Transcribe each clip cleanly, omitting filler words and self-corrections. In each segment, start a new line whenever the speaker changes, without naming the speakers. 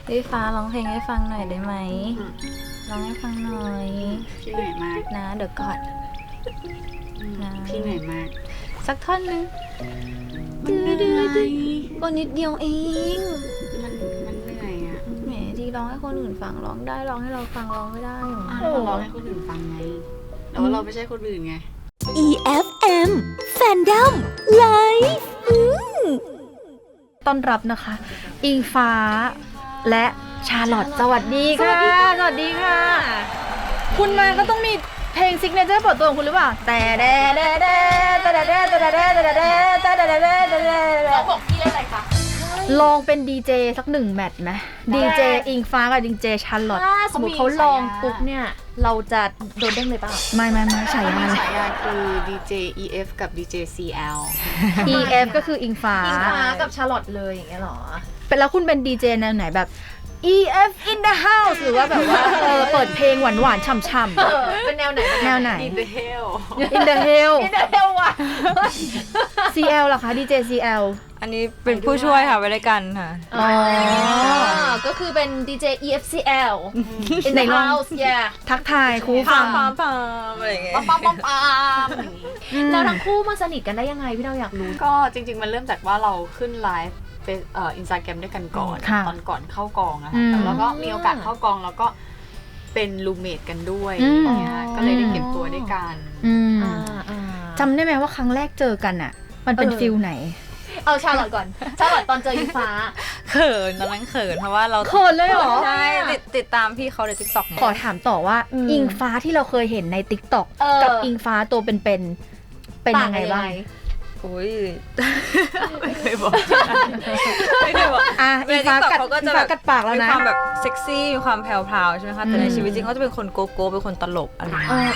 พี่ฟ้าร้องเพลงให้ฟังหน่อยได้ไหมร้องให้ฟังหน่อย
พี่เหนื่อยมาก
นะเดี๋ยวก่อนนะ
พี่เหนื่อยมาก
สักท่อนนึง
มันเหนื่อย
ก็นิดเดียวเอง
มันเหนื่อยอ่ะ
แหมที่ร้องให้คนอื่นฟังร้องได้ร้องให้เราฟังร้องไม่ได้หรอ
เราร้องให้คนอื่นฟังไงแต่ว่าเราไม่ใช่คนอื่นไง
EFM Fandom Live
ต้อนรับนะคะ อิงฟ้าและชาลอตสวัสดีค่ะสวัสดีค่ะ คุณมาก็ต้องมีเพลงซิกเนเจอร์เปิดตัวของคุณหรือเปล่าแต่เดเดเดแต่เดเดแต่เดเดแต่เดเดแต่เดเดแต่เดเด
เราบอกพี่เล่นอะไรคะ
ลองเป็นดีเจสักหนึ่งแมตช์ไหมดีเจอิงฟ้ากับดีเจชาลอต
ถ้าสมมติเขาลองปุ๊บเนี่ยเราจะโดนเด้งเลยเปล่า
ไม่ฉายา
มี
เลย
ฉายาคือ DJ EF กับ DJ CL
EF ก็คืออิงฟ้า
อิงฟ้ากับชาลอตเลยอย่างเงี้ยหรอ
เป็นแล้วคุณเป็นดีเจแนวไหนแบบ EF in the house หรือว่าแบบว่าเปิดเพลงหวานๆฉ่ำๆ
เป็นแนวไหน
แนวไหน
In the hell
In the Hell
นี่เร็วว่ะ
CL เหรอคะ DJ CL
อันนี้เป็นผู้ช่วยค่ะไว้ด้วยกันค่ะ
อ๋อ
ก็คือเป็น DJ EFCL in
ไหน
the
ลอง
house yeah
ทักทายครูฟัง
ปามอะไรอย่างเงี้ย
ปั๊มปั๊มปั๊มแล้วทั้งคู่มาสนิทกันได้ยังไงพี่เราอยากรู้
ก็จริงๆมันเริ่มจากว่าเราขึ้นไลฟ์เป็นInstagram ด้วยกันก่อน
ค่ะ
ตอนก่อนเข้ากองอะ
อื
ค่ะ
ม
แล้วก็มีโอกาสเข้ากองแล้วก็เป็นรูมเมทกันด้วย
อืม
อย่างเงี้ยก็เลยได้เก็บตัวด้วยกัน
อืม
อ่า
จำได้ไหมว่าครั้งแรกเจอกันอ่ะ มันเป็นฟิลไหน
เอาชาลอตก่อนชาลอตตอนเจออิงฟ้า
เขินตอนนั้นเขินเพราะว่าเรา
เขินเลยเหรอ
ใช่ติดตามพี่เขาใน TikTok เนี่ย
ขอถามต่อว่า อิงฟ้าที่เราเคยเห็นใน TikTok กับอิงฟ้าตัวเป็นยังไงบ้าง
อุ้ยไม่เคยบอกไม่เคยบอก
อ่ะอิงฟ้ากัด
เขาก็
อิง
จะ
ฟ้ากัดปากแล้ว
มี
นะ
ความแบบเซ็กซี่มีความแพรวๆใช่ไหมคะแต่ใน
อืม
ชีวิตจริงเขาจะเป็นคนโกโก้เป็นคนตลกอะไรอย่างเงี้ย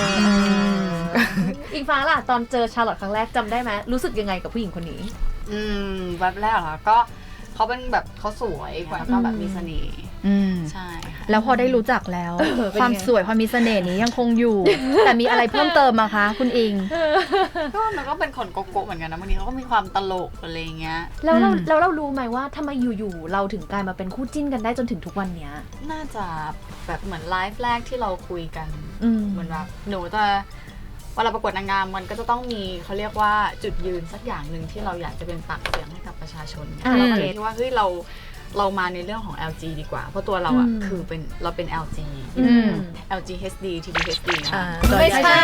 อิงฟ้าล่ะตอนเจอชาลอตครั้งแรกจำได้ไหมรู้สึกยังไงกับผู้หญิงคนนี้
แวบแรกเหรอก็เขาเป็นแบบเขาสวยแล้วก็แบบมีเสน่ห์
อืม
ใช่ค่ะ
แล้วพอได้รู้จักแล้ว
เป็นไง
ความสวยความมีเสน่ห์นี้ยังคงอยู่ แต่มีอะไรเพิ่มเติมมาคะ คุณอิง
ก็มันก็เป็นคนโกโก้เหมือนกันนะบางทีเขาก็มีความตลกอะไรอย่างเงี้ย
แล้วเรา
อืม
แล้วเรารู้ไหมว่าทำไมอยู่ๆเราถึงกลายมาเป็นคู่จิ้นกันได้จนถึงทุกวันเนี้ย
น่าจะแบบเหมือนไลฟ์แรกที่เราคุยกัน
อืม
เหมือนแบบหนูจะเวลาประกวดนางงามมันก็จะต้องมีเขาเรียกว่าจุดยืนสักอย่างหนึ่งที่เราอยากจะเป็นปากเสียงให้กับประชาชน เราก็เลยคิดว่าเฮ้ยเรามาในเรื่องของ LG ดีกว่า เพราะตัวเราอ่ะคือเราเป็น LG
อืม
LG HD TV HD
อ่า
ค่ะ
ไม่ใช่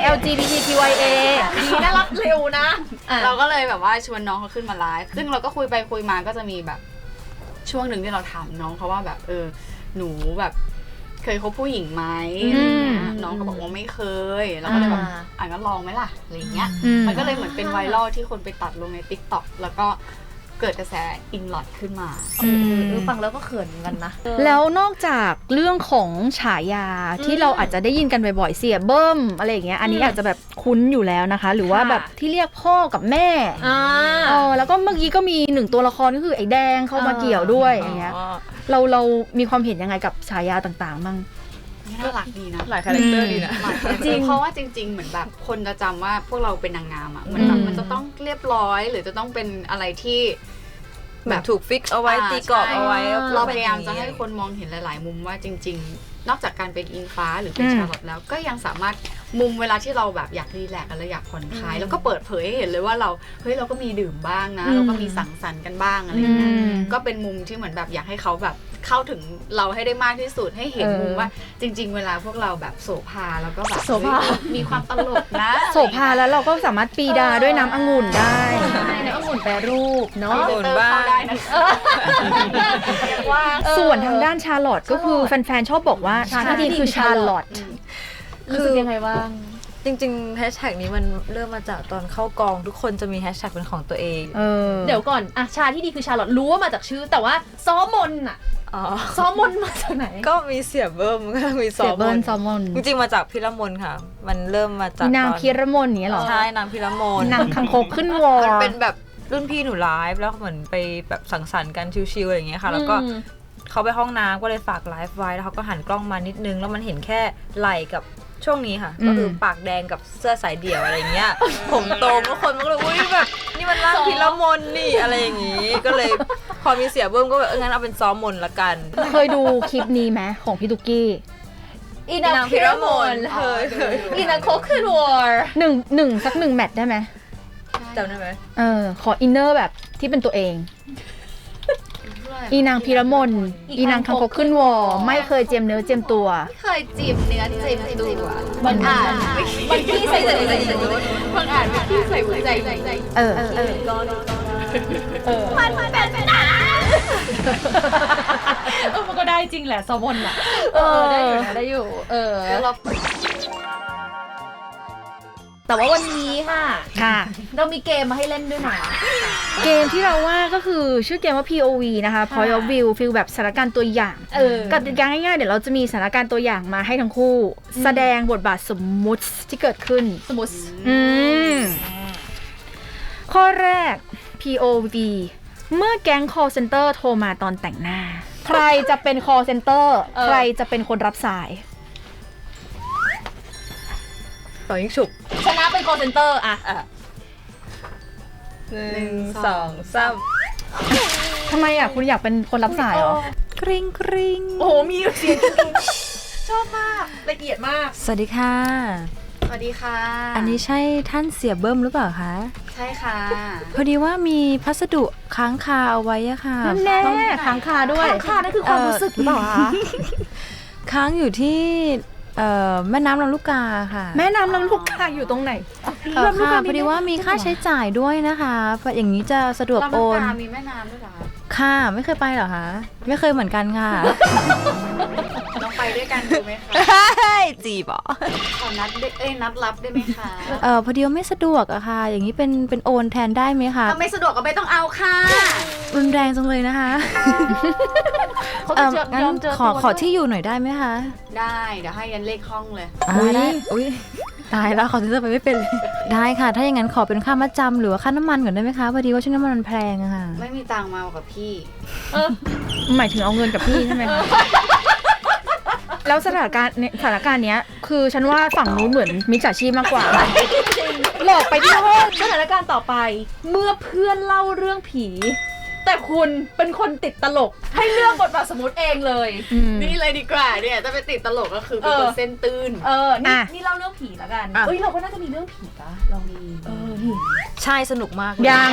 LGBTQIA
ดีน่ารักเร็วนะอ่ะ
เราก็เลยแบบว่าชวนน้องเขาขึ้นมาไลฟ์ซึ่งเราก็คุยไปคุยมาก็จะมีแบบช่วงหนึ่งที่เราถามน้องเขาว่าแบบหนูแบบเคยคบผู้หญิงไหมอะไรเงี้ยน้องก็บอกว่าไม่เคยเราก็เลยแบบงั้นลองไหมล่ะอะไรเงี้ย
อืม
มันก็เลยเหมือนเป็นไวรัลที่คนไปตัดลงใน TikTok แล้วก็เกิดกระแสอิงลอดขึ้นมา
ฟังแล้วก็เขินเหมือนกันนะ
แล้วนอกจากเรื่องของฉายาที่เราอาจจะได้ยินกันบ่อยๆเสียเบิ้มอะไรอย่างเงี้ยอันนี้อาจจะแบบคุ้นอยู่แล้วนะคะ หรือว่าแบบที่เรียกพ่อกับแม่แล้วก็เมื่อกี้ก็มีหนึ่งตัวละครก็คือไอ้แดงเข้ามาเกี่ยวด้วยอย่างเงี้ยเรามีความเห็นยังไงกับฉายาต่างๆบ้าง
น่ารักดีนะ
หลายคาแรคเตอร์ดีนะ
จริงเพราะว่าจริง ๆ เหมือนแบบคนจะจำว่าพวกเราเป็นนางงามอ่ะเหมือนแบบมันจะต้องเรียบร้อย หรือจะต้องเป็นอะไรที่
แบบถูกฟิกเอาไว้ตีกรอบเอาไว้
เราพยายามจะให้คนมองเห็นหลาย ๆ มุมว่าจริง ๆ นอกจากการเป็นอิงฟ้าหรือเป็นชาลอตแล้วก็ยังสามารถมุมเวลาที่เราแบบอยากรีแลกซ์กันแล้วอยากผ่อนคลายแล้วก็เปิดเผยให้เห็นเลยว่าเราก็มีดื่มบ้างนะเราก็มีสังสรรค์กันบ้างอะไรอย่างเงี้ยก็เป็นมุมที่เหมือนแบบอยากให้เขาแบบเข้าถึงเราให้ได้มากที่สุดให้เห็นมุมว่าจริง ๆ เวลาพวกเราแบบโสภาแล้วก็แบบ
โสภา
มีความตลกนะ
โสภาแล้วเราก็สามารถปีดาด้วยน้ำองุ่นได้
ใช่แล้วองุ่นแปรรูปเนาะ
องุ่นบ้าง
เข้าได้นะว่า
ส่วนทางด้านชาลอตก็คือแฟนๆชอบบอกว่าชาที่ดีคือชาลอต
รู้สึกยังไงบ้าง
จริงๆแฮชแท็กนี้มันเริ่มมาจากตอนเข้ากองทุกคนจะมีแฮชแท็กเป็นของตัวเอง
เดี๋ยวก่อนอ่ะชาที่ดีคือชาลอตรู้ว่ามาจากชื่อ แต่ว่าซ้อมนอ่ะ
อ๋อ
ซ้อมนมาจากไหน
ก็มีเสียเบิ้มก็มี
เสียเบิ้ลซอมอน
จริงๆมาจากพิรมนค่ะ มันเริ่มมาจาก
นาง
ตอน
พีระมนอย่างเงี้ยเหรอ
ใช่นางพิรมน
นางคังคกขึ้นวอ
มันเป็นแบบรุ่นพี่หนูไลฟ์แล้วเหมือนไปแบบสังสรรค์กันชิวๆอะไรอย่างเงี้ยค่ะ แล้วก็เขาไปห้องน้ำก็เลยฝากไลฟ์ไว้แล้วเขาก็หันกล้องมานิดนึงแล้วมันเห็นแค่ไหล่กับช่วงนี้ค่ะ ก็คือปากแดงกับเสื้อสายเดี่ยวอะไรเงี้ย ผมตรงแล้วคนมันก็เลยอุ้ยแบบนี่มันร่างพิรมนนี่อะไรอย่างงี้ ก็เลยพอมีเสียเบิ้มก็แบบงั้นเอาเป็นซ้อมมนละกัน
เคยดูคลิปนี้ไหมของพี่ตุ๊กกี้
อีนางพิรมน
เคย
อีนางโคคืนวอร์
หนึ่งสัก1 แมตช์ได้ไหม
จำได้ไหม
ขออินเนอร์แบบที่เป็นตัวเอง อีนางพิรมนอีนางคางคกขึ้นวอไม่เคยเจียมเนื้อเจียมตัว
ไม่เคยจีบเนื้อจีบตัว
มันอ่านมันพี่ใส่ใจ
บางอ่านไม่พี่ใส่หัวใจ
มันเป็นมันก็ได้จริงแหละซอมอนอ่ะได้อยู่นะได้อยู่
แล้วเรา
แต่ว่าวันนี้ค่ะ
ค่ะ
เรามีเกมมาให้เล่นด้วยนะ
เกมที่เราว่าก็คือชื่อเกมว่า POV นะคะ Point of View ฟีลแบบสถานการณ์ตัวอย่างกติกาง่ายๆเดี๋ยวเราจะมีสถานการณ์ตัวอย่างมาให้ทั้งคู่ แสดงบทบาทสมมุติที่เกิดขึ้น
สมมติ
ข้อแรก POV เมื่อแก๊ง call center โทรมาตอนแต่งหน้า ใครจะเป็น call center ใครจะเป็นคนรับสาย
ต่อยิงฉุบ
ชนะเป็น call center อ่ะ
1 2 3
ทำไมอ่ะคุณอยากเป็นคนรับสายเหรอ
กริ๊งกริ๊ง
โอ้โหมีเสียงชอบมากละเอียดมาก
สวัสดีค่ะ
สวัสดีค่ะ
อันนี้ใช่ท่านเสียเบิ้มหรือเปล่าคะ
ใช่ค่ะ
พอดีว่ามีพัสดุค้างคาเอาไว้อะค่ะ
นั่นแน่ค้างคาด้วย
ค่ะนั่นคือความรู้สึกหรือเปล่าคะ
ค้างอยู่ที่แม่น้ำลำลูกกาค่ะ
แม่น้ำลำลูกกาอยู่ตรงไหน
ค่ะพอดีว่ามีค่าใช้จ่ายด้วยนะคะอย่างนี้จะสะดวกโอน
ลำลูกกามีแม่น้ำด้วยเหรอ
ค่ะไม่เคยไปเหรอคะไม่เคยเหมือนกันค่ะ
น้องไปด้วยกันดูไหมคะ
จีบเหรอ
ขอนัดนัดรับได้ไหมคะ
พอดีว่าไม่สะดวกอะค่ะ อย่างนี้เป็นโอนแทนได้ไหมคะ
ถ้าไม่สะดวกก็ไม่ต้องเอาค่ะ
รุนแรงจังเลยนะคะ
เขาจะ
งั้น
ยอมเจอ
ขอที่อยู่หน่อยได้ไหมคะ
ได้เดี๋ยวให้ยันเลขห้องเลย
ได้อุ้ยตายแล้วขอซื้อไปไม่เป็นเลยได้ค่ะ ถ้าอย่างนั้นขอเป็นค่ามัดจำหรือว่าค่าน้ำมันก่อนได้ไหมคะพอดีว่าช่วงนี้มันแพงอะค่ะ
ไม่มีตังค์มากับพี่
หมายถึงเอาเงินกับพี่ใช่ไหมคะ แล้วสถานการณ์เนี้ยคือฉันว่าฝั่งนู้นเหมือนมิจฉาชีพมากกว่า หลอกไปที่ห้อง
สถานการณ์ต่อไปเมื่อเพื่อนเล่าเรื่องผี แต่คุณเป็นคนติดตลกให้เลือกบทบาทสมมติเองเลย
นี่เลยดีกว่าเนี่ยถ้าไปติดตลกก็คือเป็นคนเส้นตื้น
นี่เล่าเรื่องผีแล้วกันเฮ้ยเราก็น่าจะมีเรื่องผีปะเรามีนี่
ใช่สนุกมากเลย
ยัง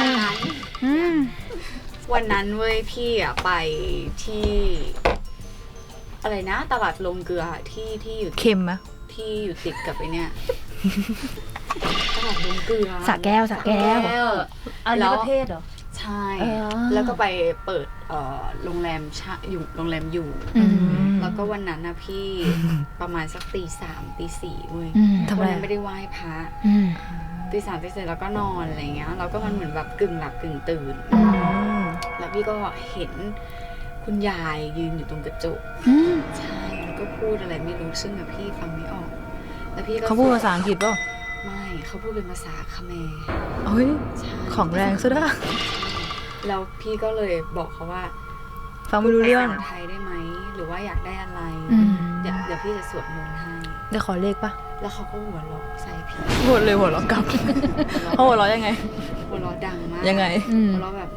วันนั้นเว้ยพี่อ่ะไปที่อะไรนะตลาดลงเกลือที่อยู่
เค็มไหม
ที่อยู่ติดกับไอเนี่ยตลาดลงเกลือ
สระแก้ว
อันนี้ประเทศเหรอ
ใช่ แล้วก็ไปเปิดโรงแรมโรงแรมอยู่แล้วก็วันนั้นนะพี่ประมาณสักตี 4เว้ย
ทำไม
วันนั้นไม่ได้ไหว้พระตี 3ตี 4แล้วก็นอนอะไรเงี้ยแล้วก็มันเหมือนแบบกึ่งหลับกึ่งตื่นแล้วพี่ก็เห็นคุณยายยืนอยู่ตรงกระจกใช่แล้วก็พูดอะไรไม่รู้ซึ่งอะพี่ฟังไม่ออกแล้วพี่ก็
เขาพูดภาษาอังกฤษป่ะ
ไม่เขาพูดเป็นภาษาเขมร
เฮ้ย
ใช่
ของแรงซะด้วย
แล้วพี่ก็เลยบอกเขาว่า
ฟังไม่รู้เรื่อง
ภาษาไทยได้ไหมหรือว่าอยากได้อะไรเดี๋ยวพี่จะสวดมนต์ให้
เดี๋ยวขอเลขป่ะ
แล้วเขาก็หัวเราะใส่พี่
หัวเลยหัวเราะกลับเขาหัวเราะยังไง
หัวเราะดังมาก
ยังไง
หัวเราะแบบ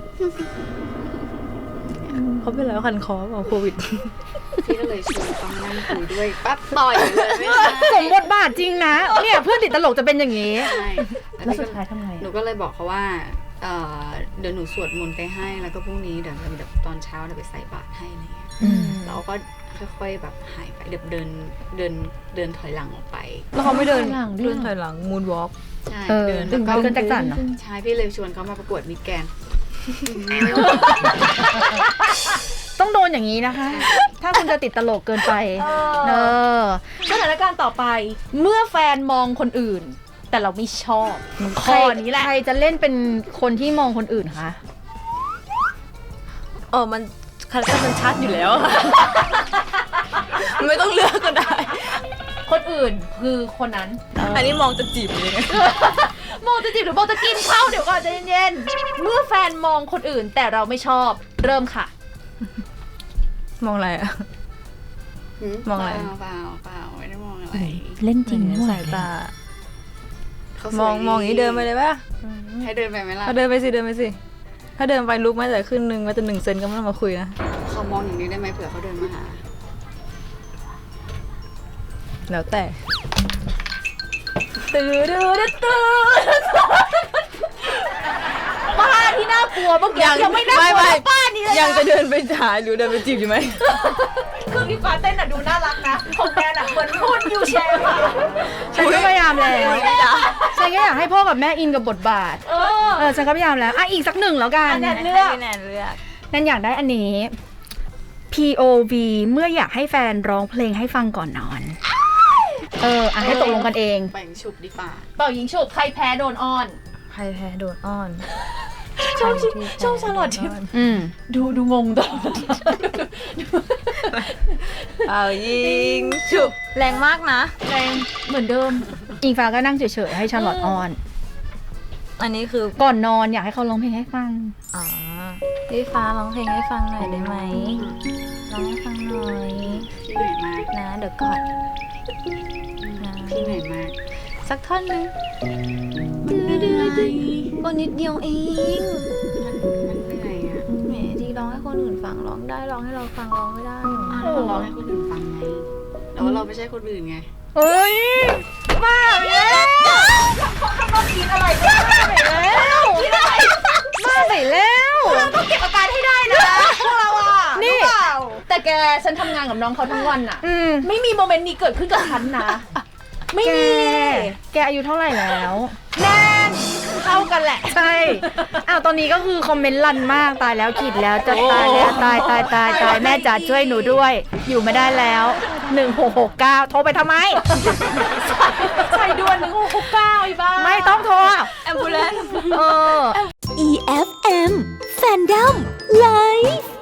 เขาเป็นอะไรคันคอเปล่าโควิด
พี่ก็เลยชวนเขามานั่งคุยด้วยปั๊บต่อยเลยไม่ใช่
สมบทบาทจริงนะ เนี่ยเพื่อนติดตลกจะเป็นอย่างนี้
ใช่
แล้วสุดท้ายทำไง
หนูก็เลยบอกเขาว่าเดี๋ยวหนูสวดมนต์ไปให้แล้วก็พรุ่งนี้เดี๋ยวตอนเช้าเดี๋ยวไปใส่บาตรให้อะไรเงี้ยแล้วก็ค่อยๆแบบหายไปเดี๋ยวเดินถอยหลังออกไป
แล้วเขาไม่เดิน
ถอยหลังด้วย
เดินถอยหลังมูนวอล์ก
ใช่
เดิน
แล้วก็
เดินจักรจันทร์เหรอ
ใช่พี่เลยชวนเขามาประกวดมิสแกรนด์
ต้องโดนอย่างนี้นะคะ ถ้าคุณจะติดตลกเกินไป
สถานการณ์ต่อไปเมื่อแฟนมองคนอื่น แต่เราไม่ชอบข้อนี้แหละ
ใครจะเล่นเป็นคนที่มองคนอื่นคะ
มันคาแรคเตอร์มันชัดอยู่แล้ว ไม่ต้องเลือกก็ได้
คนอื่นคือคนนั้น
อันนี้มองจะจีบเลยไง
โมจะจีบหรือโมจะกินข้าวเดี๋ยวก่อนใจเย็นๆเมื่อแฟนมองคนอื่นแต่เราไม่ชอบเริ่มค่ะ
มองอะไรอะ มองอะไร
เปล่าไม่ได้มองอะไร
เล่นจริง
สายตา
เขาสวย
มองอย่างนี้เดินไปเลยป่ะ
ให้เดินไปไหมล่ะ
เดินไปสิถ้าเดินไปลุกไม่แต่ขึ้นนึงมาแต่1 เซนก็ไม่ต้องมาคุยนะ
เขามองอย่างนี้ได้ไหมเผื่อเขาเดินมาหา
แล้วแต่
ป้าที่น่ากลัวเมื่อกี้ยังไม่น่ากลัว
ไม่
ป้านี่เลย
ยัง
นะ
จะเดินไปหาหรือเดินไปจีบอยู่ไหม
คือพี่ฟ้าเต้นอ่ะดูน่ารักนะของแกน่ะเหมือนพูดยูแชร์ค่ะ
ฉันก็พยายามแล้วฉันก็อยากให้พ่อกับแม่อินกับบทบาทฉันก็พยายามแล้วอีกสักหนึ่งแล้วกัน
อันนั้น
ให้
เลือก
พี่แนนเลือก
นั่นอยากได้อันนี้ POV เมื่ออยากให้แฟนร้องเพลงให้ฟังก่อนนอน ให้ตกลงกันเอง
แบ่งฉุบดีป่า
เป่ายิงฉุบใครแพ้โดนอ้อน
ใครแพ้โดนอ้อน
ชอบชาลอตทิป
อืม
ดูงงตลอด
เอายิงฉุบแรงมากนะ
แรงเหมือนเดิม
อิงฟ้าก็นั่งเฉยๆให้ชาร์ลอตออน
อันนี้คือ
ก่อนนอนอยากให้เขาร้องเพลงให้ฟัง
อ๋อพี่ฟ้าร้องเพลงให้ฟังหน่อยได้ไหมร้องให้ฟังหน่อย
พี่เหนื่อยมาก
นะเดี๋ยวก่อนนะ
พี่เหนื่อยมาก
สักท่อนหนึง
มันเหนื่อย
ก็นิดเดียวเอง
มันเหนื่อยอ่ะ
แหมที่ร้องให้คนอื่นฟังร้องได้ร้องให้เราฟังร้องไม่ได้หรอ
เราร้องให้คนอื่นฟังไงแต่ว่าเราไม่ใช่คนอื่นไง
เฮ้ยมาแล้วมาไปแล้ว
ต้องเก็บอาการให้ได้นะพวกเราอ่ะ
นี่
รู้เปล่าแต่แกฉันทำงานกับน้องเขาทั้งวันอ่ะ
อืม
ไม่มีโมเมนต์นี้เกิดขึ้นกับฉันนะ ไม่
แก
มี
แกอายุเท่าไหร่แล้ว
แน่นเท่ากันแหละ
ใช่ตอนนี้ก็คือคอมเมนต์รันมากตายแล้วขีดแล้วจะตายแล้วตายแม่จ๋าช่วยหนูด้วย อยู่ไม่ได้แล้ว1669โทรไปทำไม
ใส่ด่วน1669อีบ้า
ไม่ต้องโทร
แอมบูเลน
EFM Fandom Live